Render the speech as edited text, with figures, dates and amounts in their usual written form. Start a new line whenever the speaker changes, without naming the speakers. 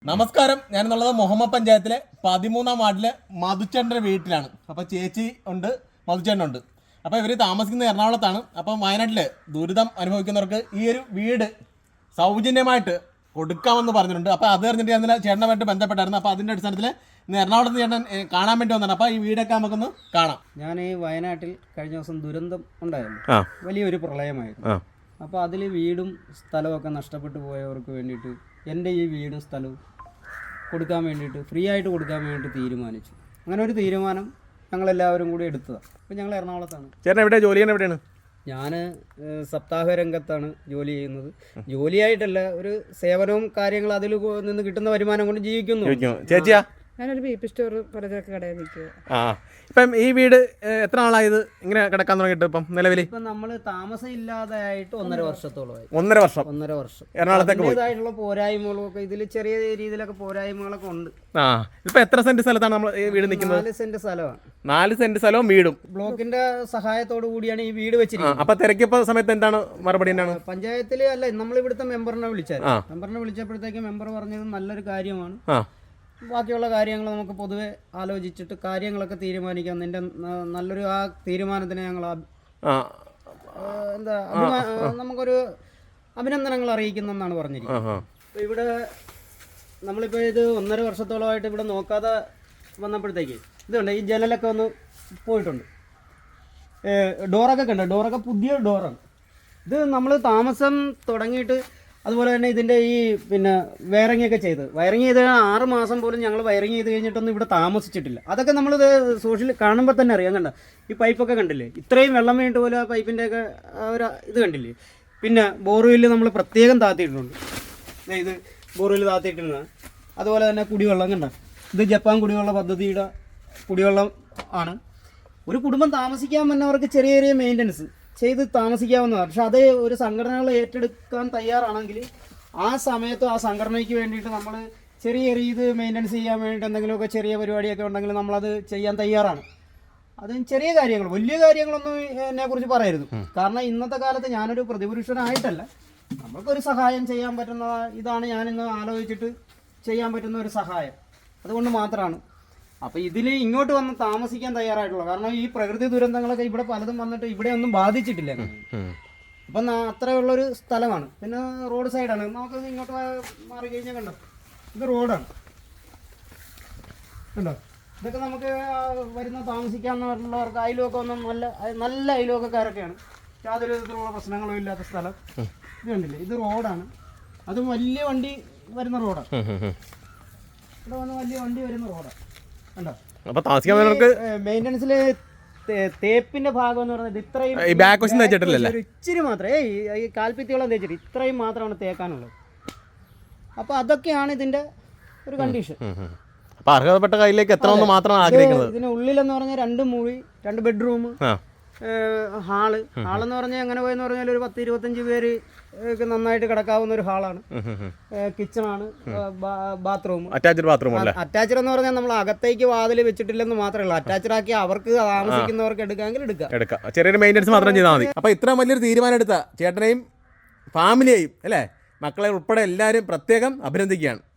നമസ്കാരം, ഞാനെന്നുള്ളത് മുഹമ്മദ് പഞ്ചായത്തിലെ 13-ാം വാർഡിലെ മധുച്ചേട്ടൻ്റെ വീട്ടിലാണ്. അപ്പോൾ ചേച്ചി ഉണ്ട്, മധുച്ചേട്ടനുണ്ട്. അപ്പോൾ ഇവർ താമസിക്കുന്നത് എറണാകുളത്താണ്. അപ്പം വയനാട്ടിൽ ദുരിതം അനുഭവിക്കുന്നവർക്ക് ഈ ഒരു വീട് സൗജന്യമായിട്ട് കൊടുക്കാമെന്ന് പറഞ്ഞിട്ടുണ്ട്. അപ്പോൾ അത് അറിഞ്ഞിട്ട് ഞാൻ ചേട്ടനുമായിട്ട് ബന്ധപ്പെട്ടായിരുന്നു. അപ്പോൾ അതിൻ്റെ അടിസ്ഥാനത്തിൽ ഇന്ന് എറണാകുളത്ത് ചേട്ടൻ കാണാൻ വേണ്ടി വന്നതാണ്. അപ്പോൾ ഈ വീടൊക്കെ നമുക്കൊന്ന് കാണാം.
ഞാൻ ഈ വയനാട്ടിൽ കഴിഞ്ഞ ദിവസം ദുരന്തം ഉണ്ടായിരുന്നു, വലിയൊരു പ്രളയമായിരുന്നു. അപ്പോൾ അതിൽ വീടും സ്ഥലമൊക്കെ നഷ്ടപ്പെട്ടു പോയവർക്ക് വേണ്ടിയിട്ട് എൻ്റെ ഈ വീടും സ്ഥലവും കൊടുക്കാൻ വേണ്ടിയിട്ട് ഫ്രീ ആയിട്ട് കൊടുക്കാൻ വേണ്ടിയിട്ട് തീരുമാനിച്ചു. അങ്ങനെ ഒരു തീരുമാനം ഞങ്ങളെല്ലാവരും കൂടി എടുത്തതാണ്. അപ്പോൾ ഞങ്ങൾ എറണാകുളത്താണ്.
ചേട്ടൻ എവിടെ ജോലി ചെയ്യുന്നത്? എവിടെയാണ്?
ഞാൻ സപ്താഹ രംഗത്താണ് ജോലി ചെയ്യുന്നത്. ജോലിയായിട്ടല്ല, ഒരു സേവനവും കാര്യങ്ങളും അതിൽ നിന്ന് കിട്ടുന്ന വരുമാനം കൊണ്ട് ജീവിക്കുന്നു.
ചേച്ചിയാ?
ഞാനൊരു ബി പി സ്റ്റോർ പലചരക്ക് കടയിൽ നിൽക്കുക.
ഇപ്പം ഈ വീട് എത്ര നാളായത് ഇങ്ങനെ കിടക്കാൻ തുടങ്ങിയിട്ട്? ഇപ്പം നിലവിൽ
ഇപ്പം നമ്മൾ താമസം ഇല്ലാതായിട്ട് 1.5 വർഷത്തോളമായി.
1.5 വർഷം എറണാകുളത്തേക്ക്
അതിൻ്റെതായിട്ടുള്ള പോരായ്മകളൊക്കെ ഇതിൽ ചെറിയ രീതിയിലൊക്കെ പോരായ്മകളൊക്കെ ഉണ്ട്.
ഇപ്പൊ എത്ര സെന്റ് സ്ഥലത്താണ് നമ്മൾ ഈ വീട് നിൽക്കുന്നത്?
4 സെന്റ് സ്ഥലമാണ്.
4 സെന്റ് സ്ഥലവും വീടും
ബ്ലോക്കിന്റെ സഹായത്തോടു കൂടിയാണ് ഈ വീട് വെച്ചിരിക്കുന്നത്.
അപ്പൊ തിരക്കിയപ്പോ സമയത്ത് എന്താണ് മറുപടി? എന്താണ്?
പഞ്ചായത്തില് അല്ല, നമ്മൾ ഇവിടുത്തെ മെമ്പറിനെ വിളിച്ചപ്പോഴത്തേക്ക് മെമ്പർ പറഞ്ഞത് നല്ലൊരു കാര്യമാണ്, ബാക്കിയുള്ള കാര്യങ്ങൾ നമുക്ക് പൊതുവെ ആലോചിച്ചിട്ട് കാര്യങ്ങളൊക്കെ തീരുമാനിക്കാം. നിന്റെ നല്ലൊരു ആ തീരുമാനത്തിന് ഞങ്ങൾ നമുക്കൊരു അഭിനന്ദനങ്ങൾ അറിയിക്കുന്നെന്നാണ് പറഞ്ഞിരിക്കുന്നത്. അപ്പോൾ ഇവിടെ നമ്മളിപ്പോൾ ഇത് 1.5 വർഷത്തോളമായിട്ട് ഇവിടെ നോക്കാതെ വന്നപ്പോഴത്തേക്ക് ഇതുണ്ട്, ഈ ജനലൊക്കെ ഒന്ന് പോയിട്ടുണ്ട്, ഡോറൊക്കെ കണ്ടോ, ഡോറൊക്കെ പുതിയ ഡോറാണ്. ഇത് നമ്മൾ താമസം തുടങ്ങിയിട്ട് അതുപോലെ തന്നെ ഇതിൻ്റെ ഈ വയറിംഗ് ഒക്കെ വയറിംഗ് ചെയ്ത് 6 മാസം പോലും ഞങ്ങൾ വയറിംഗ് ചെയ്ത് കഴിഞ്ഞിട്ടൊന്നും ഇവിടെ താമസിച്ചിട്ടില്ല. അതൊക്കെ നമ്മളിത് സോഷ്യൽ കാണുമ്പോൾ തന്നെ അറിയാം. കണ്ട ഈ പൈപ്പൊക്കെ കണ്ടില്ലേ, ഇത്രയും വെള്ളം വീണിട്ട് പോലും ആ പൈപ്പിൻ്റെയൊക്കെ ഒരു ഇത് കണ്ടില്ലേ. പിന്നെ ബോർവെല്ല് നമ്മൾ പ്രത്യേകം താത്തിയിട്ടുണ്ട്, ഇത് ബോർവെല്ല് താത്തിയിട്ടിരുന്നത്. അതുപോലെ തന്നെ കുടിവെള്ളം കണ്ട, ഇത് ജപ്പാൻ കുടിവെള്ള പദ്ധതിയുടെ കുടിവെള്ളം ആണ്. ഒരു കുടുംബം താമസിക്കാൻ വന്നവർക്ക് ചെറിയ ചെറിയ മെയിൻ്റനൻസ് ചെയ്ത് താമസിക്കാവുന്നതാണ്. പക്ഷെ അത് ഒരു സംഘടനകൾ ഏറ്റെടുക്കാൻ തയ്യാറാണെങ്കിൽ ആ സമയത്ത് ആ സംഘടനയ്ക്ക് വേണ്ടിയിട്ട് നമ്മൾ ചെറിയ ഇത് മെയിൻ്റനൻസ് ചെയ്യാൻ വേണ്ടിയിട്ട് എന്തെങ്കിലുമൊക്കെ ചെറിയ പരിപാടിയൊക്കെ ഉണ്ടെങ്കിൽ നമ്മളത് ചെയ്യാൻ തയ്യാറാണ്. അത് ചെറിയ കാര്യങ്ങൾ, വലിയ കാര്യങ്ങളൊന്നും എന്നെക്കുറിച്ച് പറയരുത്. കാരണം ഇന്നത്തെ കാലത്ത് ഞാനൊരു പ്രതിപുരുഷനായിട്ടല്ല, നമ്മൾക്കൊരു സഹായം ചെയ്യാൻ പറ്റുന്ന ഇതാണ് ഞാനിന്ന് ആലോചിച്ചിട്ട് ചെയ്യാൻ പറ്റുന്ന ഒരു സഹായം. അതുകൊണ്ട് മാത്രമാണ്. അപ്പോൾ ഇതിൽ ഇങ്ങോട്ട് വന്ന് താമസിക്കാൻ തയ്യാറായിട്ടുള്ളൂ. കാരണം ഈ പ്രകൃതി ദുരന്തങ്ങളൊക്കെ ഇവിടെ പലതും വന്നിട്ട് ഇവിടെ ഒന്നും ബാധിച്ചിട്ടില്ല. അപ്പം അത്രയുള്ളൊരു സ്ഥലമാണ്. പിന്നെ റോഡ് സൈഡാണ്. നമുക്ക് ഇങ്ങോട്ട് മാറി കഴിഞ്ഞാൽ കണ്ടോ, ഇത് റോഡാണ് കണ്ടോ. ഇതൊക്കെ നമുക്ക് വരുന്ന താമസിക്കാന്നുള്ളവർക്ക് അയലുമൊക്കെ ഒന്നും നല്ല അയലുമൊക്കെക്കാരൊക്കെയാണ്. യാതൊരു വിധത്തിലുള്ള പ്രശ്നങ്ങളും ഇല്ലാത്ത സ്ഥലം. ഇത് കണ്ടില്ലേ, ഇത് റോഡാണ്. അതും വലിയ വണ്ടി വരുന്ന റോഡാണ്. ഇവിടെ വന്ന് വലിയ വണ്ടി വരുന്ന റോഡാണ് കണ്ടോ.
അപ്പൊ താമസിക്കാൻ
മെയിൻ്റനൻസിൽ തേപ്പിന്റെ ഭാഗം എന്ന് പറയുന്നത് ഇത്രയും ഇച്ചിരി മാത്രമേ, ഈ കാൽപ്പിത്തിയോളം തേച്ചിട്ട് ഇത്രയും മാത്രമാണ് തേക്കാനുള്ളത്. അപ്പോൾ അതൊക്കെയാണ് ഇതിന്റെ ഒരു കണ്ടീഷൻ.
അർഹതപ്പെട്ട കയ്യിലേക്ക് എത്ര മാത്രമാണ് ആഗ്രഹിക്കുന്നത്.
ഇതിനുള്ളിലെന്ന് പറഞ്ഞാൽ 2 മുറി, 2 ബെഡ്റൂം, ഹാളെന്ന് പറഞ്ഞാൽ എങ്ങനെ പോയെന്ന് പറഞ്ഞാൽ ഒരു 10-25 പേര് നന്നായിട്ട് കിടക്കാവുന്ന ഒരു ഹാളാണ്. കിച്ചണാണ്, ബാത്റൂം അറ്റാച്ച്ഡ് എന്ന് പറഞ്ഞാൽ നമ്മൾ അകത്തേക്ക് വാതിൽ വെച്ചിട്ടില്ലെന്ന് മാത്രമേ ഉള്ളൂ. അറ്റാച്ച്ഡ് ആക്കി അവർക്ക് താമസിക്കുന്നവർക്ക് എടുക്കാമെങ്കിൽ എടുക്കാം.
ചെറിയൊരു മെയിൻ്റനൻസ് മാത്രം ചെയ്താൽ മതി. അപ്പോൾ ഇത്ര വലിയൊരു തീരുമാനം എടുത്ത ചേട്ടനെയും ഫാമിലിയെയും അല്ലേ, മക്കളെ ഉൾപ്പെടെ എല്ലാവരും പ്രത്യേകം അഭിനന്ദിക്കുകയാണ്.